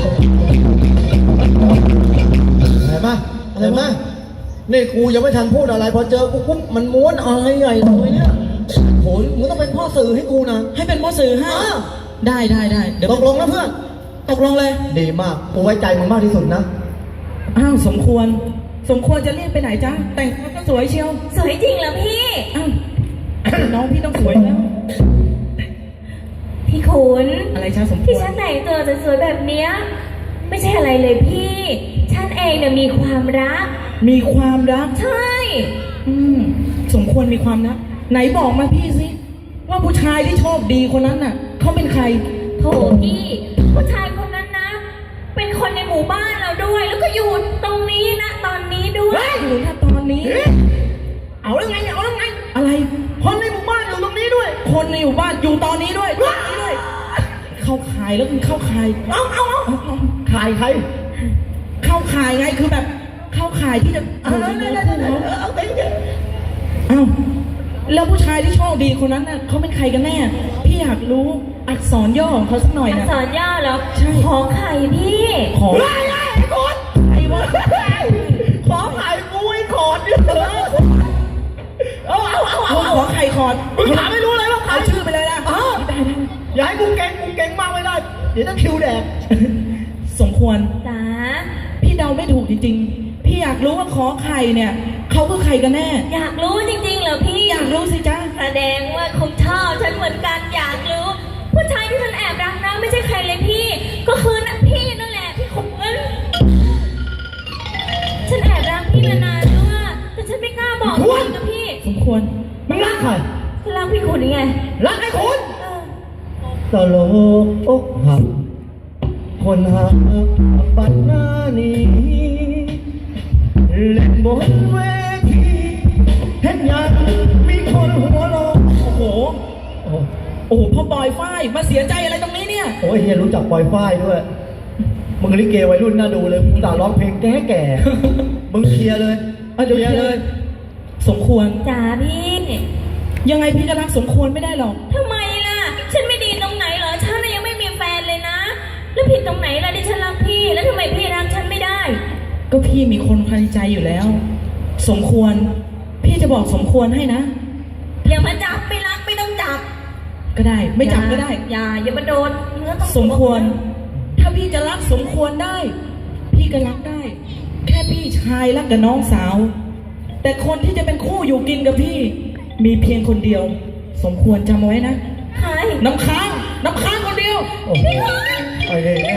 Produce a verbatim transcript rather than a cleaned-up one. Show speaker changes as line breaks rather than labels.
เห็นไหมเห็นไหมนี่กูยังไม่ทันพูดอะไรพอเจอกูปุ๊บมันม้วนอะไรใหญ่เลยเนี่ยโหมึงต้องเป็นพ่อสื่อให้กูนะ
ให้เป็นพ่อสื่อให้ได้ได้ได้เดี๋ยว
ตกลงนะเพื่อน
ตกลงเลย
ดีมากกูไว้ใจมึงมากที่สุดนะ
อ้าวสมควรสมควรจะเรียกไปไหนจ๊ะแต่งตัวก็สวยเชียว
สวยจริงเหรอพี่
อ้าวน้องพี่ต้องสวยแล้ว
พี่ขุน
อะไรจ้าสมควร
ที่ฉันแต่งตัวสวยๆแบบเนี้ยไม่ใช่อะไรเลยพี่ฉันเองเนี่ยมีความรัก
มีความรัก
ใช่
อืมสมควรมีความรักไหนบอกมาพี่สิว่าผู้ชายที่โชคดีคนนั้นน่ะเขาเป็นใคร
โถพี่ผู้ชายคนนั้นนะเป็นคนในหมู่บ้านเราด้วยแล้วก็อยู่ตรงนี้นะตอนนี้ด้วย
อยู่นะตอนนี้เอาแล้วไงเอาแล้วไงอะไรคนในหมู่บ้านอยู่ตรงนี้ด้วยคนในหมู่บ้านอยู่ตอนนี้ด้วยตอนนี้ด้วยเข้าขายแล้วคือเข้าขายเอาเอาเอา
ขายใคร
เข้าขายไงคือแบบเข้าขายที่จะเอาแล้วเอาไปเอาแล้วผู้ชายที่โชคดีคนนั้นน่ะเขาเป็นใครกันแน่พี่อยากรู้อักษรย่อของเขาสักหน่อยนะ
อักษรย่อเหรอขอไข่พี่
ขอไข่ไอ้คนไอ้วะขอไข่กูไอ้ขอดเนี่ยเอาเอาเอาเอาขอไข่ขอดมึงถามไม่รู้เลยว่าเอาชื่อไปเลยนะได้ได้
อย่าให้กูเก่งกูเก่งมากไม่ได้เดี๋ยวต้องคิวแดก
สมควร
จ้า
พี่เดาไม่ถูกจริงๆพี่อยากรู้ว่าขอไข่เนี่ยเขาคือใครกันแน่
อยากรู้จริงๆเหรอพี่
อยากรู้สิจ๊ะ
แสดงว่าคงชอบฉันเหมือนกันอยากรู้ผู้ชายที่ฉันแอบรักนะไม่ใช่ใครเลยพี่ก็คือนะพี่นั่นแหละพี่ขุนฉันแอบรักพี่มานานแล้วอะแต่ฉันไม่กล้าบอกจริงกับพี่
สมควร
มึงรักใคร
ฉันรักพี่ขุนยังไง
รักไอ้ขุนตลกอกหักคนหักปัดหน้านี้เล่นบนเวทีเห็นยังมีคนหัวเราะ
โอ้โหโอ้โหพ่อบอยฝ้ายมาเสียใจอะไรตรงนี้เนี่ย
โอ้ยเฮียรู้จักปอยฝ้ายด้วยมึงลิเกวัยรุ่นน่าดูเลยมึงด่าร้องเพลงแก่แก่มึงเคลียร์เลยเอาเดี๋ยวเคลียร์เลย
สมควร
จ๋าพี่
ยังไงพี่ก็รักสมควรไม่ได้หรอก
ทำไมล่ะฉันไม่ดีตรงไหนเหรอฉันยังไม่มีแฟนเลยนะแล้วผิดตรงไหนล่ะที่ฉันรักพี่แล้วทำไมพี่รักฉันไม่ได้
ก็พี่มีคนภายในใจอยู่แล้วสมควรพี่จะบอกสมควรให้นะ
อย่ามาจับไม่รักไม่ต้องจับ
ก็ได้ไม่จับก็ได้
อย่าอย่ามาโดนเนื้อต้อง
สมควรถ้าพี่จะรักสมควรได้พี่ก็รักได้แค่พี่ชายรักกับน้องสาวแต่คนที่จะเป็นคู่อยู่กินกับพี่มีเพียงคนเดียวสมควรจำไว้นะ
ใคร
น้ำค้างน้ำค้างคนเดียว
พี่คน
ไอ้เด็ก